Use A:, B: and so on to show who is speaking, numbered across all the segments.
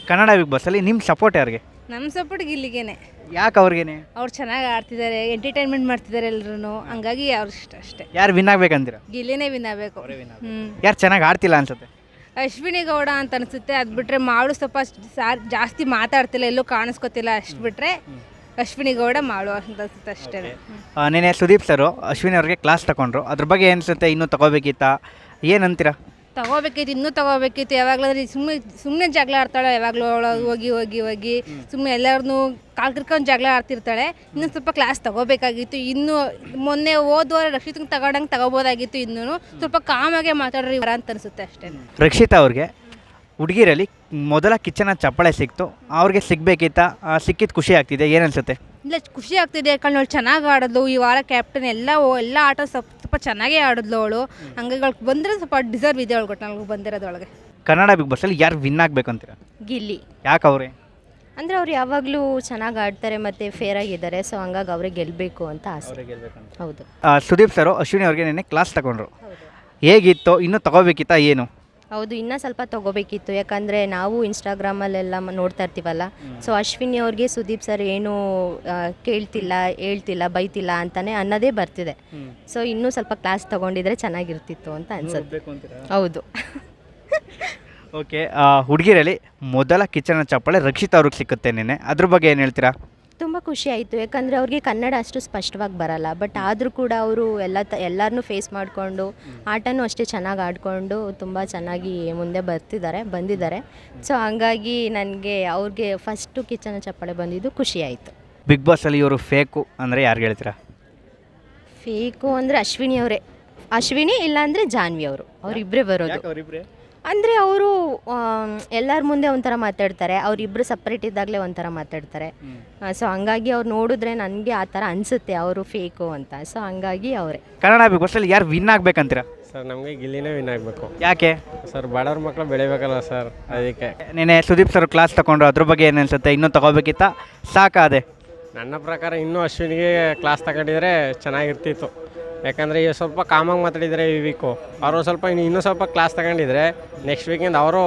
A: Kannada big ಬಾಸಲ್ಲಿ ನಿಮ್ಮ support ಯಾರಿಗೆ?
B: ನಮ್ಮ ಸಪೋರ್ಟ್ ಗಿಲ್ಲಿಗೇನೆ.
A: ಯಾಕೆ ಅವ್ರಿಗೇನೆ?
B: ಅವ್ರು ಚೆನ್ನಾಗಿ ಆಡ್ತಿದ್ದಾರೆ, ಎಂಟರ್ಟೈನ್ಮೆಂಟ್ ಮಾಡ್ತಿದ್ದಾರೆ ಎಲ್ಲರೂ, ಹಂಗಾಗಿ ಅವ್ರು ಇಷ್ಟ ಅಷ್ಟೇ.
A: ಯಾರು ವಿನ್ ಆಗ್ಬೇಕಂತೀರ?
B: ಗಿಲ್ಲಿನೇ ವಿನ್ ಆಗಬೇಕು.
A: ಯಾರು ಚೆನ್ನಾಗಿ ಆಡ್ತಿಲ್ಲ ಅನ್ಸುತ್ತೆ?
B: ಅಶ್ವಿನಿ ಗೌಡ ಅಂತ ಅನಿಸುತ್ತೆ. ಅದು ಬಿಟ್ಟರೆ ಮಾಡು ಸ್ವಲ್ಪ ಜಾಸ್ತಿ ಮಾತಾಡ್ತಿಲ್ಲ, ಎಲ್ಲೂ ಕಾಣಿಸ್ಕೊತಿಲ್ಲ. ಅಷ್ಟು ಬಿಟ್ಟರೆ ಅಶ್ವಿನಿ ಗೌಡ ಮಾಡು ಅಂತ ಅನ್ಸುತ್ತೆ ಅಷ್ಟೇ.
A: ನೆನೆ ಸುದೀಪ್ ಸರು ಅಶ್ವಿನಿ ಅವ್ರಿಗೆ ಕ್ಲಾಸ್ ತಗೊಂಡ್ರು, ಅದ್ರ ಬಗ್ಗೆ ಏನಿಸುತ್ತೆ? ಇನ್ನೂ ತಗೋಬೇಕಿತ್ತಾ ಏನಂತೀರಾ?
B: ತಗೋಬೇಕಿತ್ತು, ಇನ್ನೂ ತಗೋಬೇಕಿತ್ತು. ಯಾವಾಗಲಾದ್ರೆ ಸುಮ್ಮನೆ ಜಗಳ ಆಡ್ತಾಳೆ, ಯಾವಾಗಲೂ ಹೋಗಿ ಹೋಗಿ ಹೋಗಿ ಸುಮ್ಮನೆ ಎಲ್ಲರನ್ನೂ ಕಾಲ್ಕಿರ್ಕೊಂಡು ಜಗಳ ಆಡ್ತಿರ್ತಾಳೆ. ಇನ್ನೂ ಸ್ವಲ್ಪ ಕ್ಲಾಸ್ ತಗೋಬೇಕಾಗಿತ್ತು. ಇನ್ನೂ ಮೊನ್ನೆ ಹೋದ್ವಾರ ರಕ್ಷಿತಂಗೆ ತಗೊಂಡಂಗೆ ತಗೋಬೋದಾಗಿತ್ತು. ಇನ್ನೂ ಸ್ವಲ್ಪ ಕಾಮಾಗೆ ಮಾತಾಡ್ರಿ ಇವರ ಅಂತ ಅನಿಸುತ್ತೆ ಅಷ್ಟೇ.
A: ರಕ್ಷಿತಾ ಅವ್ರಿಗೆ ಹುಡುಗಿರಲ್ಲಿ ಮೊದಲ ಕಿಚ್ಚನ ಚಪ್ಪಾಳೆ ಸಿಕ್ತು, ಅವ್ರಿಗೆ ಸಿಗಬೇಕಿತ್ತಾ? ಸಿಕ್ಕಿದ್ದು ಖುಷಿ ಆಗ್ತಿದೆ, ಏನನ್ಸುತ್ತೆ?
B: ಇಲ್ಲ, ಖುಷಿ ಆಗ್ತಿದೆ. ಯಾಕಂದ್ರೆ ಅವಳು ಚೆನ್ನಾಗಿ ಆಡಿದ್ಲು ಈ ವಾರ. ಕ್ಯಾಪ್ಟನ್ ಎಲ್ಲ ಆಟ ಸ್ವಲ್ಪ ಚೆನ್ನಾಗೇ ಆಡಿದ್ಲು ಅವಳು. ಹಂಗಾಗಿ ಅವಳಿಗೆ ಬಂದರೆ ಸ್ವಲ್ಪ ಡಿಸರ್ವ್ ಇದೆ ಅವಳು ನನಗೆ ಬಂದಿರೋದೊಳಗೆ.
A: ಕನ್ನಡ ಬಿಗ್ ಬಾಸಲ್ಲಿ ಯಾರು ವಿನ್ ಆಗಬೇಕಂತೀರ?
C: ಗಿಲ್ಲಿ.
A: ಯಾಕೆ ಅವರೇ?
C: ಅಂದರೆ ಅವ್ರು ಯಾವಾಗಲೂ ಚೆನ್ನಾಗಿ ಆಡ್ತಾರೆ ಮತ್ತು ಫೇರ್ ಆಗಿದ್ದಾರೆ. ಸೊ ಹಂಗಾಗಿ ಅವರೇ ಗೆಲ್ಲಬೇಕು ಅಂತ ಆಸೆ. ಹೌದು.
A: ಸುದೀಪ್ ಸರು ಅಶ್ವಿನಿ ಅವ್ರಿಗೆ ನೆನ್ನೆ ಕ್ಲಾಸ್ ತಗೊಂಡ್ರು, ಹೇಗಿತ್ತು? ಇನ್ನೂ ತಗೋಬೇಕಿತ್ತಾ ಏನು?
C: ಹೌದು, ಇನ್ನೂ ಸ್ವಲ್ಪ ತೊಗೋಬೇಕಿತ್ತು. ಯಾಕಂದರೆ ನಾವು ಇನ್ಸ್ಟಾಗ್ರಾಮಲ್ಲೆಲ್ಲ ನೋಡ್ತಾ ಇರ್ತೀವಲ್ಲ. ಸೊ ಅಶ್ವಿನಿ ಅವ್ರಿಗೆ ಸುದೀಪ್ ಸರ್ ಏನೂ ಕೇಳ್ತಿಲ್ಲ, ಹೇಳ್ತಿಲ್ಲ, ಬೈತಿಲ್ಲ ಅಂತಲೇ ಅನ್ನೋದೇ ಬರ್ತಿದೆ. ಸೊ ಇನ್ನೂ ಸ್ವಲ್ಪ ಕ್ಲಾಸ್ ತೊಗೊಂಡಿದ್ರೆ ಚೆನ್ನಾಗಿರ್ತಿತ್ತು ಅಂತ ಅನ್ಸುತ್ತೆ. ಹೌದು.
A: ಓಕೆ, ಹುಡುಗಿರಲ್ಲಿ ಮೊದಲ ಕಿಚ್ಚನ ಚಪ್ಪಾಳೆ ರಕ್ಷಿತಾ ಅವ್ರಿಗೆ ಸಿಕ್ಕುತ್ತೆ ನೆನ್ನೆ, ಅದ್ರ ಬಗ್ಗೆ ಏನು ಹೇಳ್ತೀರಾ?
C: ತುಂಬ ಖುಷಿ ಆಯಿತು. ಯಾಕಂದರೆ ಅವ್ರಿಗೆ ಕನ್ನಡ ಅಷ್ಟು ಸ್ಪಷ್ಟವಾಗಿ ಬರಲ್ಲ. ಬಟ್ ಆದರೂ ಕೂಡ ಅವರು ಎಲ್ಲರನ್ನೂ ಫೇಸ್ ಮಾಡಿಕೊಂಡು ಆಟನೂ ಅಷ್ಟೇ ಚೆನ್ನಾಗಿ ಆಡಿಕೊಂಡು ತುಂಬ ಚೆನ್ನಾಗಿ ಮುಂದೆ ಬಂದಿದ್ದಾರೆ. ಸೊ ಹಂಗಾಗಿ ನನಗೆ ಅವ್ರಿಗೆ ಫಸ್ಟು ಕಿಚ್ಚನ ಚಪ್ಪಾಳೆ ಬಂದಿದ್ದು ಖುಷಿ ಆಯಿತು.
A: ಬಿಗ್ ಬಾಸಲ್ಲಿ ಇವರು ಫೇಕು ಅಂದರೆ ಯಾರು ಹೇಳ್ತೀರಾ?
C: ಫೇಕು ಅಂದರೆ ಅಶ್ವಿನಿ ಇಲ್ಲಾಂದರೆ ಜಾನ್ವಿ ಅವರಿಬ್ಬರೇ ಬರೋದು. ಅಂದರೆ ಅವರು ಎಲ್ಲರ ಮುಂದೆ ಒಂಥರ ಮಾತಾಡ್ತಾರೆ, ಅವರಿಬ್ಬರು ಸಪ್ರೇಟ್ ಇದ್ದಾಗಲೇ ಒಂಥರ ಮಾತಾಡ್ತಾರೆ. ಸೊ ಹಂಗಾಗಿ ಅವ್ರು ನೋಡಿದ್ರೆ ನನಗೆ ಆ ಥರ ಅನಿಸುತ್ತೆ ಅವರು ಫೇಕು ಅಂತ. ಸೊ ಹಂಗಾಗಿ ಅವರೇ.
A: ಕನ್ನಡ ಬಿಗ್ ಬಾಸಲ್ಲಿ ಯಾರು ವಿನ್ ಆಗ್ಬೇಕಂತೀರಾ?
D: ಸರ್ ನಮಗೆ ಗಿಲ್ಲಿನೇ ವಿನ್ ಆಗಬೇಕು.
A: ಯಾಕೆ
D: ಸರ್ ಬಡವ್ರ ಮಕ್ಕಳು ಬೆಳಿಬೇಕಲ್ಲ ಸರ್, ಅದಕ್ಕೆ.
A: ನೆನೆ ಸುದೀಪ್ ಸರ್ ಕ್ಲಾಸ್ ತಗೊಂಡ್ರು, ಅದ್ರ ಬಗ್ಗೆ ಏನು ಅನ್ಸುತ್ತೆ? ಇನ್ನೂ ತಗೋಬೇಕಿತ್ತಾ? ಸಾಕಾದೆ?
D: ನನ್ನ ಪ್ರಕಾರ ಇನ್ನೂ ಅಶ್ವಿನಿಗೆ ಕ್ಲಾಸ್ ತಗೊಂಡಿದ್ರೆ ಚೆನ್ನಾಗಿರ್ತಿತ್ತು. ಯಾಕಂದರೆ ಈಗ ಸ್ವಲ್ಪ ಕಾಮಾಗಿ ಮಾತಾಡಿದರೆ ಈ ವೀಕು ಅವರು ಸ್ವಲ್ಪ ಇನ್ನೂ ಸ್ವಲ್ಪ ಕ್ಲಾಸ್ ತಗೊಂಡಿದ್ರೆ ನೆಕ್ಸ್ಟ್ ವೀಕಿಂದ ಅವರು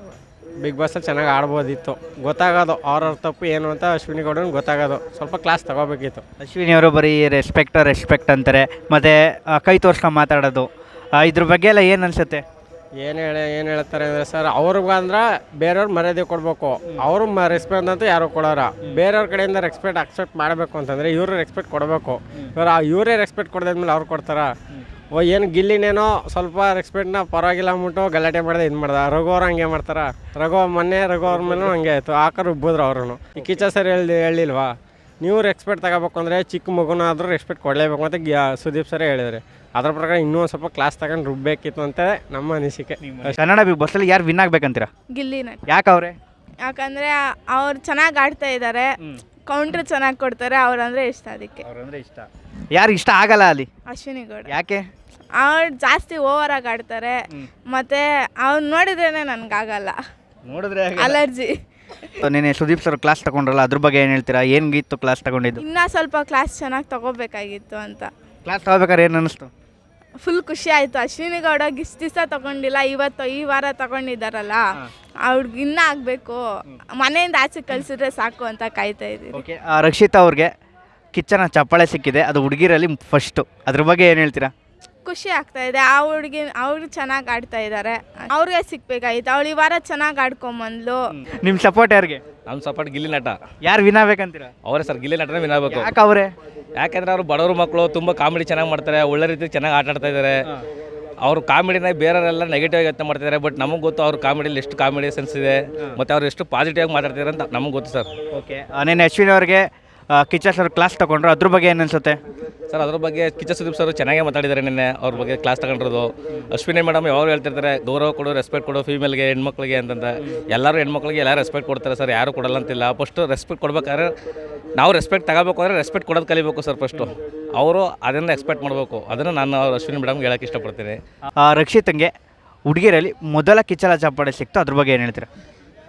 D: ಬಿಗ್ ಬಾಸಲ್ಲಿ ಚೆನ್ನಾಗಿ ಆಡ್ಬೋದಿತ್ತು. ಗೊತ್ತಾಗೋದು ಅವ್ರವ್ರ ತಪ್ಪು ಏನು ಅಂತ ಅಶ್ವಿನಿ ಗೌಡನಿಗೆ ಗೊತ್ತಾಗೋದು. ಸ್ವಲ್ಪ ಕ್ಲಾಸ್ ತಗೋಬೇಕಿತ್ತು.
A: ಅಶ್ವಿನಿ ಅವರು ಬರೀ ರೆಸ್ಪೆಕ್ಟ್ ಅಂತಾರೆ, ಮತ್ತು ಕೈ ತೋರ್ಸ್ಕೊಂಡು ಮಾತಾಡೋದು, ಇದ್ರ ಬಗ್ಗೆ ಎಲ್ಲ ಏನು ಅನಿಸುತ್ತೆ?
D: ಏನು ಹೇಳ್ತಾರೆ ಅಂದರೆ ಸರ್, ಅವ್ರಿಗಂದ್ರೆ ಬೇರೆಯವ್ರು ಮರ್ಯಾದೆ ಕೊಡಬೇಕು. ಅವರು ರೆಸ್ಪೆಕ್ಟ್ ಅಂತೂ ಯಾರು ಕೊಡೋರ. ಬೇರೆಯವ್ರ ಕಡೆಯಿಂದ ಅಕ್ಸೆಪ್ಟ್ ಮಾಡಬೇಕು ಅಂತಂದರೆ ಇವರು ರೆಸ್ಪೆಕ್ಟ್ ಕೊಡಬೇಕು. ಇವರೇ ರೆಸ್ಪೆಕ್ಟ್ ಕೊಡೋದ್ಮೇಲೆ ಅವ್ರು ಕೊಡ್ತಾರ? ಏನು ಗಿಲ್ಲಿನೇನೋ ಸ್ವಲ್ಪ ರೆಸ್ಪೆಕ್ಟ್ನ ಪರವಾಗಿಲ್ಲ ಅಂದ್ಬಿಟ್ಟು ಗಲಾಟೆ ಮಾಡಿದೆ ಇದು ಮಾಡ್ದೆ. ರಘು ಅವ್ರು ಹಂಗೆ ಮಾಡ್ತಾರೆ. ಮೊನ್ನೆ ರಘು ಅವ್ರ ಮೇಲೂ ಹಂಗೆ ಆಯಿತು. ಆಕರು ಉಬ್ಬಿದ್ರು ಅವ್ರೂ. ಈ ಕಿಚ್ಚ ಸರ್ ಹೇಳಿಲ್ವಾ, ನೀವು ರೆಸ್ಪೆಕ್ಟ್ ತಗೋಬೇಕು ಅಂದರೆ ಚಿಕ್ಕ ಮಗುನಾದರೂ ರೆಸ್ಪೆಕ್ಟ್ ಕೊಡಲೇಬೇಕು ಅಂತ ಸುದೀಪ್ ಸರೇ ಹೇಳಿದ್ದಾರೆ. ಅದ್ರ ಪ್ರಕಾರ ಇನ್ನೂ ಒಂದು ಸ್ವಲ್ಪ ಕ್ಲಾಸ್ ತಗೊಂಡು ರುಬ್ಬೇಕಿತ್ತು ಅಂತ ನಮ್ಮ ಅನಿಸಿಕೆ.
A: ಕನ್ನಡ ಬಿಗ್ ಬಾಸಲ್ಲಿ ಯಾರು ವಿನ್ ಆಗ್ಬೇಕಂತೀರಾ?
E: ಗಿಲ್ಲಿನೇ.
A: ಯಾಕೆ ಅವರೇ?
E: ಯಾಕಂದರೆ ಅವ್ರು ಚೆನ್ನಾಗಿ ಆಡ್ತಾ ಇದ್ದಾರೆ, ಕೌಂಟ್ರ್ ಚೆನ್ನಾಗಿ ಕೊಡ್ತಾರೆ. ಅವ್ರಂದರೆ ಇಷ್ಟ, ಅದಕ್ಕೆ.
A: ಇಷ್ಟ. ಯಾರು ಇಷ್ಟ ಆಗಲ್ಲ ಅಲ್ಲಿ?
E: ಅಶ್ವಿನಿ ಗೌಡ.
A: ಯಾಕೆ?
E: ಅವ್ರು ಜಾಸ್ತಿ ಓವರಾಗಿ ಆಡ್ತಾರೆ, ಮತ್ತು ಅವ್ರು ನೋಡಿದ್ರೇ ನನಗಾಗಲ್ಲ,
A: ನೋಡಿದ್ರೆ
E: ಅಲರ್ಜಿ.
A: ನೆನೆ ಸುದೀಪ್ ಸರ್ ಕ್ಲಾಸ್ ತಗೊಂಡ್ರಲ್ಲ, ಅದ್ರ ಬಗ್ಗೆ ಏನು ಹೇಳ್ತೀರಾ? ಏನಿತ್ತು ಕ್ಲಾಸ್ ತಗೊಂಡಿದ್ದು?
E: ಇನ್ನೂ ಸ್ವಲ್ಪ ಕ್ಲಾಸ್ ಚೆನ್ನಾಗಿ ತಗೋಬೇಕಾಗಿತ್ತು ಅಂತ.
A: ಕ್ಲಾಸ್ ತಗೋಬೇಕಾದ್ರೆ ಏನು ಅನ್ನಿಸ್ತು?
E: ಫುಲ್ ಖುಷಿ ಆಯಿತು. ಅಶ್ವಿನಿ ಗೌಡ ಇಷ್ಟು ದಿವಸ ತಗೊಂಡಿಲ್ಲ, ಈ ವಾರ ತಗೊಂಡಿದ್ದಾರಲ್ಲ, ಅವ್ರಿಗೆ ಇನ್ನೂ ಆಗಬೇಕು. ಮನೆಯಿಂದ ಆಚೆ ಕಳಿಸಿದ್ರೆ ಸಾಕು ಅಂತ ಕಾಯ್ತಾ ಇದ್ದೀವಿ.
A: ಓಕೆ, ರಕ್ಷಿತಾ ಅವ್ರಿಗೆ ಕಿಚ್ಚನ ಚಪ್ಪಾಳೆ ಸಿಕ್ಕಿದೆ, ಅದು ಹುಡುಗಿರಲ್ಲಿ ಫಸ್ಟು, ಅದ್ರ ಬಗ್ಗೆ ಏನು ಹೇಳ್ತೀರಾ?
E: ಖುಷಿ ಆಗ್ತಾ ಇದೆ. ಆ ಹುಡುಗಿ ಅವ್ರು ಚೆನ್ನಾಗಿ ಆಡ್ತಾ ಇದ್ದಾರೆ, ಅವ್ರಿಗೆ ಸಿಕ್ಬೇಕಾಗಿತ್ತು. ಅವಳು ಈ ವಾರ ಚೆನ್ನಾಗಿ ಆಡ್ಕೊಂಬಂದ್ಲು.
A: ನಿಮ್ಮ ಸಪೋರ್ಟ್ ಯಾರಿಗೆ?
F: ನಮ್ಮ ಸಪೋರ್ಟ್ ಗಿಲ್ಲಿ ನಟ.
A: ಯಾರು ವಿನ್ ಆಗ್ಬೇಕಂತೀರಾ?
F: ಅವರೇ ಸರ್, ಗಿಲ್ಲಿ ನಟನೇ ವಿನ್ ಆಗಬೇಕು.
A: ಯಾಕೆ ಅವರೇ?
F: ಯಾಕೆಂದ್ರೆ ಅವರು ಬಡವರು ಮಕ್ಕಳು, ತುಂಬ ಕಾಮಿಡಿ ಚೆನ್ನಾಗಿ ಮಾಡ್ತಾರೆ, ಒಳ್ಳೆ ರೀತಿ ಚೆನ್ನಾಗಿ ಆಟ ಆಡ್ತಾ ಇದ್ದಾರೆ. ಅವರು ಕಾಮಿಡಿನ ಬೇರೆಯವರೆಲ್ಲ ನೆಗೆಟಿವ್ ಆಗಿ ಯೋಚನೆ ಮಾಡ್ತಿದ್ದಾರೆ. ಬಟ್ ನಮಗೆ ಗೊತ್ತು ಅವ್ರ ಕಾಮಿಡಿಯಲ್ಲಿ ಎಷ್ಟು ಕಾಮಿಡಿ ಸೆನ್ಸ್ ಇದೆ, ಮತ್ತು ಅವ್ರು ಎಷ್ಟು ಪಾಸಿಟಿವ್ ಆಗಿ ಮಾತಾಡ್ತಿದ್ದಾರೆ ಅಂತ ನಮಗೆ ಗೊತ್ತು ಸರ್.
A: ಓಕೆ, ನೆನ್ನೆ ಅಶ್ವಿನಿ ಅವ್ರಿಗೆ ಕಿಚ್ಚ ಸರ್ ಕ್ಲಾಸ್ ತಗೊಂಡ್ರು, ಅದ್ರ ಬಗ್ಗೆ ಏನು ಅನ್ಸುತ್ತೆ
F: ಸರ್? ಅದ್ರ ಬಗ್ಗೆ ಕಿಚ್ಚ ಸುದೀಪ್ ಸರ್ ಚೆನ್ನಾಗೇ ಮಾತಾಡಿದ್ದಾರೆ ನಿನ್ನೆ. ಅವ್ರ ಬಗ್ಗೆ ಕ್ಲಾಸ್ ತಗೊಂಡಿರೋದು. ಅಶ್ವಿನಿ ಮೇಡಮ್ ಯಾವಾಗ ಹೇಳ್ತಿರ್ತಾರೆ, ಗೌರವ ಕೊಡು, ರೆಸ್ಪೆಕ್ಟ್ ಕೊಡು ಫೀಮೇಲ್ಗೆ, ಹೆಣ್ಮಕ್ಳಿಗೆ ಅಂತಂತ. ಎಲ್ಲರೂ ಹೆಣ್ಮಕ್ಳಿಗೆ ಎಲ್ಲ ರೆಸ್ಪೆಕ್ಟ್ ಕೊಡ್ತಾರೆ ಸರ್, ಯಾರು ಕೊಡಲ್ಲ ಅಂತಿಲ್ಲ. ಫಸ್ಟು ರೆಸ್ಪೆಕ್ಟ್ ಕೊಡ್ಬೇಕಾದ್ರೆ ನಾವು ರೆಸ್ಪೆಕ್ಟ್ ತಗೋಬೇಕು ಅಂದರೆ ರೆಸ್ಪೆಕ್ಟ್ ಕೊಡೋದು ಕಲಿಬೇಕು ಸರ್ ಫಸ್ಟು. ಅವರು ಅದನ್ನು ಎಕ್ಸ್ಪೆಕ್ಟ್ ಮಾಡಬೇಕು. ಅದನ್ನು ನಾನು ಅವ್ರು ಅಶ್ವಿನಿ ಮೇಡಮ್ಗೆ ಹೇಳೋಕ್ಕೆ ಇಷ್ಟಪಡ್ತೀನಿ.
A: ರಕ್ಷಿತಂಗೆ ಹುಡುಗಿರಲ್ಲಿ ಮೊದಲ ಕಿಚ್ಚಲ ಚಪ್ಪಾಳೆ ಸಿಕ್ತು, ಅದ್ರ ಬಗ್ಗೆ ಏನು ಹೇಳ್ತೀರಾ?
F: ಸರ್,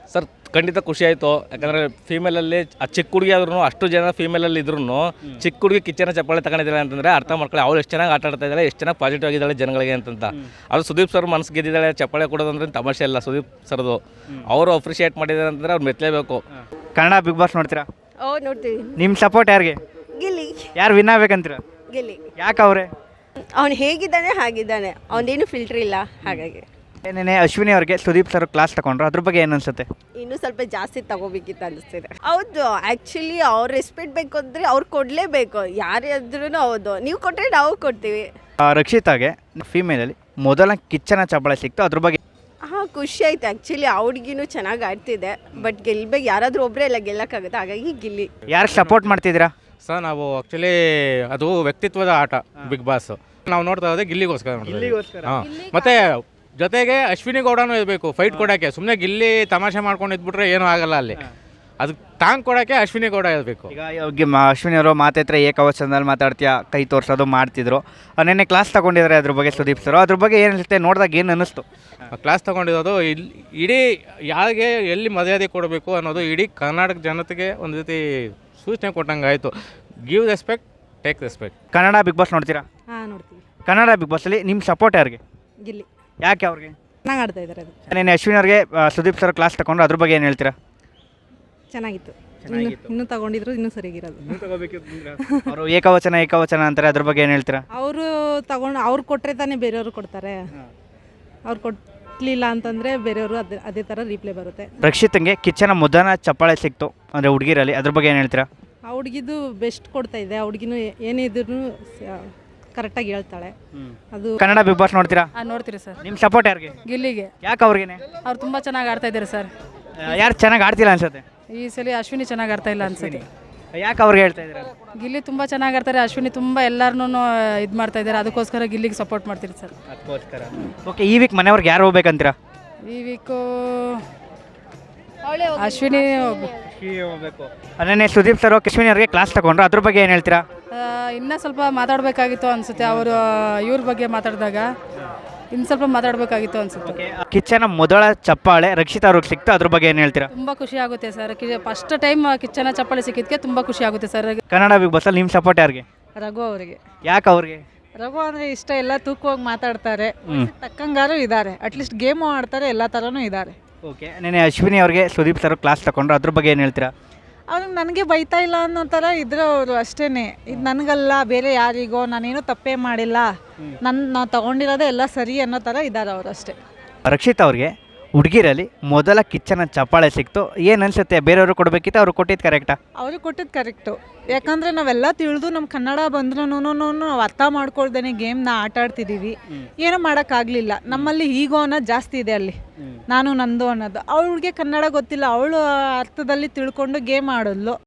F: ಖಂಡಿತ ಖುಷಿ ಆಯಿತು. ಯಾಕಂದರೆ ಫೀಮೇಲಲ್ಲಿ ಆ ಚಿಕ್ಕ ಹುಡುಗಿ ಆದ್ರೂ ಅಷ್ಟು ಜನ ಫೀಮೇಲಲ್ಲಿ ಇದ್ರೂ ಚಿಕ್ಕ ಹುಡುಗಿ ಕಿಚ್ಚನ ಚಪ್ಪಾಳೆ ತಗೊಂಡಿದ್ದಾಳೆ ಅಂತಂದರೆ ಅರ್ಥ ಮಾಡ್ಕೊಳ್ಳಿ ಅವಳು ಎಷ್ಟು ಚೆನ್ನಾಗಿ ಆಟ ಆಡ್ತಾ ಇದ್ದಾಳೆ, ಎಷ್ಟು ಚೆನ್ನಾಗಿ ಪಾಸಿಟಿವ್ ಆಗಿದ್ದಾಳೆ ಜನಗಳಿಗೆ ಅಂತಂತ. ಅದು ಸುದೀಪ್ ಸರ್ ಮನಸ್ಸು ಗೆದ್ದಿದ್ದಾಳೆ, ಚಪ್ಪಾಳೆ ಕೊಡೋದಂದ್ರೆ ತಮಾಷೆ ಇಲ್ಲ. ಸುದೀಪ್ ಸರ್ದು ಅವರು ಅಪ್ರಿಷಿಯೇಟ್ ಮಾಡಿದ್ದಾರೆ ಅಂತಂದರೆ ಅವ್ರು ಮೆಚ್ಚಲೇಬೇಕು.
A: ಕನ್ನಡ ಬಿಗ್ ಬಾಸ್ ನೋಡ್ತೀರಾ?
G: ಓ ನೋಡ್ತೀವಿ.
A: ನಿಮ್ಮ ಸಪೋರ್ಟ್ ಯಾರಿಗೆ?
G: ಗಿಲ್ಲಿ
A: ಯಾರು ವಿನ್ ಆಗ್ಬೇಕಂತೀರ?
G: ಗಿಲ್ಲಿ
A: ಯಾಕೆ ಅವರೇ?
G: ಅವನು ಹೇಗಿದ್ದಾನೆ ಹಾಗಿದ್ದಾನೆ, ಅವನೇನು ಫಿಲ್ಟ್ರ್ ಇಲ್ಲ, ಹಾಗಾಗಿ
A: ಏನೇನೆ ಅಶ್ವಿನಿ ಅವ್ರಿಗೆ ಸುದೀಪ್ ಸರ್ ಕ್ಲಾಸ್ ತಗೊಂಡ್ರು, ಅದ್ರ ಬಗ್ಗೆ ಏನು ಅನ್ಸುತ್ತೆ?
G: ಇನ್ನೂ ಸ್ವಲ್ಪ ಜಾಸ್ತಿ ತಗೋಬೇಕಿತ್ತು ಅನಿಸ್ತಿದೆ. ಹೌದು, ಆ್ಯಕ್ಚುಲಿ ಅವ್ರು ರೆಸ್ಪೆಕ್ಟ್ ಬೇಕು ಅಂದರೆ ಅವ್ರು ಕೊಡಲೇಬೇಕು, ಯಾರೇ ಆದ್ರೂ. ಹೌದು, ನೀವು ಕೊಟ್ಟರೆ ನಾವು ಕೊಡ್ತೀವಿ.
A: ರಕ್ಷಿತಾಗೆ ಫೀಮೇಲಲ್ಲಿ ಮೊದಲ ಕಿಚ್ಚನ ಚಪ್ಪಾಳೆ ಸಿಕ್ತು, ಅದ್ರ ಬಗ್ಗೆ
G: ಹಾಂ, ಖುಷಿ ಆಯ್ತು. ಆ್ಯಕ್ಚುಲಿ ಅವ್ರಿಗಿನ್ನೂ ಚೆನ್ನಾಗಿ ಆಡ್ತಿದೆ, ಬಟ್ ಗೆಲ್ಬೇಕು, ಯಾರಾದರೂ ಒಬ್ಬರೇ ಎಲ್ಲ ಗೆಲ್ಲಕ್ಕಾಗುತ್ತೆ, ಹಾಗಾಗಿ ಗಿಲ್ಲಿ.
A: ಯಾರಿಗೆ ಸಪೋರ್ಟ್ ಮಾಡ್ತಿದ್ದೀರಾ?
H: ಸರ್ ನಾವು ಆ್ಯಕ್ಚುಲಿ ಅದು ವ್ಯಕ್ತಿತ್ವದ ಆಟ ಬಿಗ್ ಬಾಸ್. ನಾವು ನೋಡ್ತಾ ಇರೋದೇ ಗಿಲ್ಲಿಗೋಸ್ಕರ ನೋಡ್ತೀವಿ. ಹಾಂ, ಮತ್ತು ಜೊತೆಗೆ ಅಶ್ವಿನಿ ಗೌಡನೂ ಇರಬೇಕು ಫೈಟ್ ಕೊಡೋಕ್ಕೆ. ಸುಮ್ಮನೆ ಗಿಲ್ಲಿ ತಮಾಷೆ ಮಾಡ್ಕೊಂಡು ಇದ್ಬಿಟ್ರೆ ಏನೂ ಆಗಲ್ಲ ಅಲ್ಲಿ. ಅದಕ್ಕೆ ಟಾಂಗ್ ಕೊಡೋಕ್ಕೆ ಅಶ್ವಿನಿ ಗೌಡ ಇರಬೇಕು.
A: ಈಗ ಅಶ್ವಿನಿ ಅವರು ಮಾತಾಡ್ತಾರೆ, ಏಕವಚನದಲ್ಲಿ ಮಾತಾಡ್ತೀಯಾ, ಕೈ ತೋರಿಸೋದು ಮಾಡ್ತಿದ್ರು. ನೆನ್ನೆ ಕ್ಲಾಸ್ ತಗೊಂಡಿದ್ದಾರೆ ಅದ್ರ ಬಗ್ಗೆ ಸುದೀಪ್ ಸರ್, ಅದ್ರ ಬಗ್ಗೆ ಏನು ಅನಿಸುತ್ತೆ ನೋಡಿದಾಗ ಏನು ಅನ್ನಿಸ್ತು?
H: ಕ್ಲಾಸ್ ತೊಗೊಂಡಿರೋದು ಇಡೀ ಯಾರಿಗೆ ಎಲ್ಲಿ ಮರ್ಯಾದೆ ಕೊಡಬೇಕು ಅನ್ನೋದು ಇಡೀ ಕರ್ನಾಟಕ ಜನತೆಗೆ ಒಂದು ರೀತಿ ಸೂಚನೆ ಕೊಟ್ಟಂಗೆ ಆಯಿತು. Give respect, take respect.
A: Kannada Bigg Boss ನೋಡ್ತೀರಾ?
B: ಹಾಂ ನೋಡ್ತೀವಿ.
A: ಕನ್ನಡ ಬಿಗ್ ಬಾಸಲ್ಲಿ ನಿಮ್ಮ ಸಪೋರ್ಟ್ ಯಾರಿಗೆ?
B: ಗಿಲ್ಲಿ
A: ಯಾಕೆ ಅವ್ರಿಗೆ?
B: ಚೆನ್ನಾಗಿ ಆಡ್ತಾ ಇದ್ದಾರೆ. ಅದು
A: ನೆನ್ನೆ ಅಶ್ವಿನಿ ಅವ್ರಿಗೆ ಸುದೀಪ್ ಸರ್ ಕ್ಲಾಸ್ ತಗೊಂಡ್ರು, ಅದ್ರ ಬಗ್ಗೆ ಏನು ಹೇಳ್ತೀರಾ?
B: ಚೆನ್ನಾಗಿತ್ತು. ಇನ್ನೂ ತಗೊಂಡಿದ್ರು ಇನ್ನೂ ಸರಿಗಿರೋದು.
A: ಅವರು ಏಕವಚನ ಅಂತಾರೆ, ಅದ್ರ ಬಗ್ಗೆ ಏನು ಹೇಳ್ತೀರಾ?
B: ಅವರು ಅವ್ರು ಕೊಟ್ಟರೆ ತಾನೇ ಬೇರೆಯವರು ಕೊಡ್ತಾರೆ. ಅವ್ರು ಕೊಟ್ಟಲಿಲ್ಲ ಅಂತಂದರೆ ಬೇರೆಯವರು ಅದೇ ಥರ ರೀಪ್ಲೇ ಬರುತ್ತೆ.
A: ರಕ್ಷಿತಂಗೆ ಕಿಚ್ಚನ ಮೊದಲ ಚಪ್ಪಾಳೆ ಸಿಕ್ತು ಅಂದರೆ ಹುಡುಗಿರಲ್ಲಿ, ಅದ್ರ ಬಗ್ಗೆ ಏನು ಹೇಳ್ತೀರಾ?
B: ಆ ಹುಡುಗಿದು ಬೆಸ್ಟ್ ಕೊಡ್ತಾ ಇದೆ. ಆ ಹುಡುಗಿನೂ ಏನಿದ್ರು ಕರೆಕ್ಟಾಗಿ ಹೇಳ್ತಾಳೆ. ಅದು
A: ಕನ್ನಡ ಬಿಗ್ ಬಾಸ್ ನೋಡ್ತೀರಾ?
I: ನೋಡ್ತೀರಿ ಸರ್.
A: ನಿಮ್ಮ ಸಪೋರ್ಟ್ ಯಾರಿಗೆ?
I: ಗಿಲ್ಲಿಗೆ.
A: ಯಾಕೆ ಅವ್ರಿಗೇನೆ?
I: ಅವ್ರು ತುಂಬ ಚೆನ್ನಾಗಿ ಆಡ್ತಾ ಇದ್ದಾರೆ ಸರ್.
A: ಯಾರು ಚೆನ್ನಾಗಿ ಆಡ್ತಿಲ್ಲ ಅನ್ಸುತ್ತೆ?
I: ಈ ಸಲ ಅಶ್ವಿನಿ ಚೆನ್ನಾಗಿ ಆಡ್ತಾ ಇಲ್ಲ ಅನ್ಸುತ್ತೆ.
A: ಯಾಕೆ ಅವ್ರಿಗೆ ಹೇಳ್ತಾ ಇದ್ದೀರಾ?
I: ಗಿಲ್ಲಿ ತುಂಬ ಚೆನ್ನಾಗಿ ಆಡ್ತಾರೆ, ಅಶ್ವಿನಿ ತುಂಬ ಎಲ್ಲರನ್ನೂ ಇದು ಮಾಡ್ತಾ ಇದ್ದಾರೆ, ಅದಕ್ಕೋಸ್ಕರ ಗಿಲ್ಲಿಗೆ ಸಪೋರ್ಟ್ ಮಾಡ್ತೀರಿ ಸರ್.
A: ಅದಕ್ಕೋಸ್ಕರ. ಓಕೆ, ಈ ವೀಕ್ ಮನೆಯವ್ರಿಗೆ ಯಾರು ಹೋಗ್ಬೇಕಂತೀರಾ?
I: ಈ ವೀಕು ಅಶ್ವಿನಿ
A: ಹೋಗ್ಬೇಕು. ನೆನ್ನೆ ಸುದೀಪ್ ಸರ್ ಅಶ್ವಿನಿ ಅವ್ರಿಗೆ ಕ್ಲಾಸ್ ತಗೊಂಡ್ರು, ಅದ್ರ ಬಗ್ಗೆ ಏನು ಹೇಳ್ತೀರಾ?
I: ಇನ್ನೂ ಸ್ವಲ್ಪ ಮಾತಾಡಬೇಕಾಗಿತ್ತು ಅನಿಸುತ್ತೆ. ಅವರು ಇವ್ರ ಬಗ್ಗೆ ಮಾತಾಡಿದಾಗ ಇನ್ನು ಸ್ವಲ್ಪ ಮಾತಾಡಬೇಕಾಗಿತ್ತು ಅನಿಸುತ್ತೆ.
A: ಕಿಚ್ಚನ ಮೊದಲ ಚಪ್ಪಾಳೆ ರಕ್ಷಿತಾ ಅವ್ರಿಗೆ ಸಿಕ್ತು, ಅದ್ರ ಬಗ್ಗೆ ಏನು ಹೇಳ್ತೀರಾ?
I: ತುಂಬ ಖುಷಿ ಆಗುತ್ತೆ ಸರ್. ಫಸ್ಟ್ ಟೈಮ್ ಕಿಚ್ಚನ ಚಪ್ಪಾಳೆ ಸಿಕ್ಕಿದ್ದಕ್ಕೆ ತುಂಬ ಖುಷಿ ಆಗುತ್ತೆ ಸರ್.
A: ಕನ್ನಡ ಬಿಗ್ ಬಾಸಲ್ಲಿ ನಿಮ್ಮ ಸಪೋರ್ಟ್ ಯಾರಿಗೆ?
J: ರಘು ಅವರಿಗೆ.
A: ಯಾಕೆ ಅವ್ರಿಗೆ?
J: ರಘು ಅಂದರೆ ಇಷ್ಟ, ಎಲ್ಲ ತೂಕವಾಗಿ ಮಾತಾಡ್ತಾರೆ, ತಕ್ಕಂಗಾರು ಇದ್ದಾರೆ, ಅಟ್ಲೀಸ್ಟ್ ಗೇಮು ಆಡ್ತಾರೆ, ಎಲ್ಲ ಥರನೂ ಇದ್ದಾರೆ.
A: ಓಕೆ, ನೆನ್ನೆ ಅಶ್ವಿನಿ ಅವ್ರಿಗೆ ಸುದೀಪ್ ಸರ್ ಕ್ಲಾಸ್ ತಗೊಂಡ್ರು, ಅದ್ರ ಬಗ್ಗೆ ಏನು ಹೇಳ್ತೀರಾ?
J: ಅವ್ರಿಗೆ ನನಗೆ ಬೈತಾ ಇಲ್ಲ ಅನ್ನೋ ಥರ ಇದ್ರೆ ಅವರು ಅಷ್ಟೇ. ಇದು ನನಗಲ್ಲ, ಬೇರೆ ಯಾರಿಗೋ, ನಾನೇನು ತಪ್ಪೇ ಮಾಡಿಲ್ಲ, ನಾವು ತಗೊಂಡಿರೋದೇ ಎಲ್ಲ ಸರಿ ಅನ್ನೋ ಥರ ಇದ್ದಾರೆ ಅವರು ಅಷ್ಟೇ.
A: ರಕ್ಷಿತಾ ಅವ್ರಿಗೆ ಹುಡುಗಿರಲ್ಲಿ ಮೊದಲ ಕಿಚ್ಚನ ಚಪ್ಪಾಳೆ ಸಿಕ್ತು, ಏನು ಅನ್ಸುತ್ತೆ? ಬೇರೆಯವರು ಕೊಡಬೇಕಿತ್ತು, ಅವ್ರು ಕೊಟ್ಟಿದ್ದು ಕರೆಕ್ಟಾ?
J: ಅವ್ರಿಗೆ ಕೊಟ್ಟಿದ್ದು ಕರೆಕ್ಟು. ಯಾಕಂದರೆ ನಾವೆಲ್ಲ ತಿಳಿದು ನಮ್ಮ ಕನ್ನಡ ಬಂದ್ರೂ ನಾವು ಅರ್ಥ ಮಾಡ್ಕೊಳ್ದೇನೆ ಗೇಮ್ನ ಆಟ ಆಡ್ತಿದ್ದೀವಿ, ಏನೂ ಮಾಡೋಕ್ಕಾಗಲಿಲ್ಲ. ನಮ್ಮಲ್ಲಿ ಈಗೋ ಅನ್ನೋದು ಜಾಸ್ತಿ ಇದೆ ಅಲ್ಲಿ, ನಾನು ನಂದು ಅನ್ನೋದು. ಅವಳಿಗೆ ಕನ್ನಡ ಗೊತ್ತಿಲ್ಲ, ಅವಳು ಅರ್ಥದಲ್ಲಿ ತಿಳ್ಕೊಂಡು ಗೇಮ್ ಆಡೋದ್ಲು,